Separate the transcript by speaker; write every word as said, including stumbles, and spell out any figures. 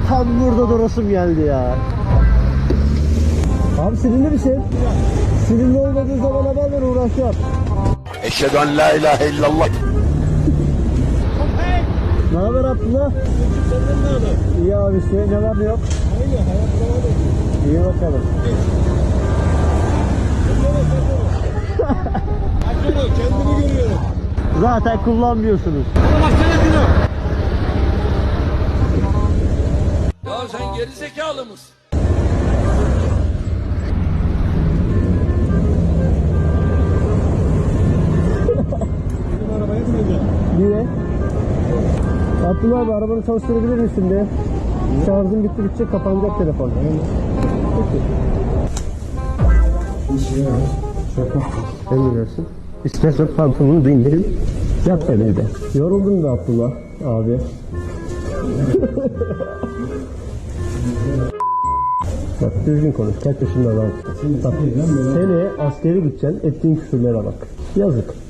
Speaker 1: Tam burada durasım geldi ya. Abi sinirli misin? Sinirli olmadığı zaman haberle uğraşacağım.
Speaker 2: Eşhedü en la ilahe illallah.
Speaker 1: Ne haber Abdullah? İyi abi işte ne var ne yok? İyi bakalım.
Speaker 3: Kendimi görüyorum.
Speaker 1: Zaten kullanmıyorsunuz.
Speaker 3: Bana baksana Dino.
Speaker 2: Ya sen geri zekalı mısın?
Speaker 3: Benim arabaya bineceğim.
Speaker 1: Niye? Abdullah abi arabanı çalıştırabilir misin de? Şarjım bitti bitecek kapanacak telefon. Peki. Emredersin. İstersen pantolonu da indirin. Yat ben evde. Yoruldun da Abdullah abi. Bak düzgün konuş. Kaç yaşında adamsın. Bak seneye askeri gideceksin. Ettiğin küfürlere bak. Yazık.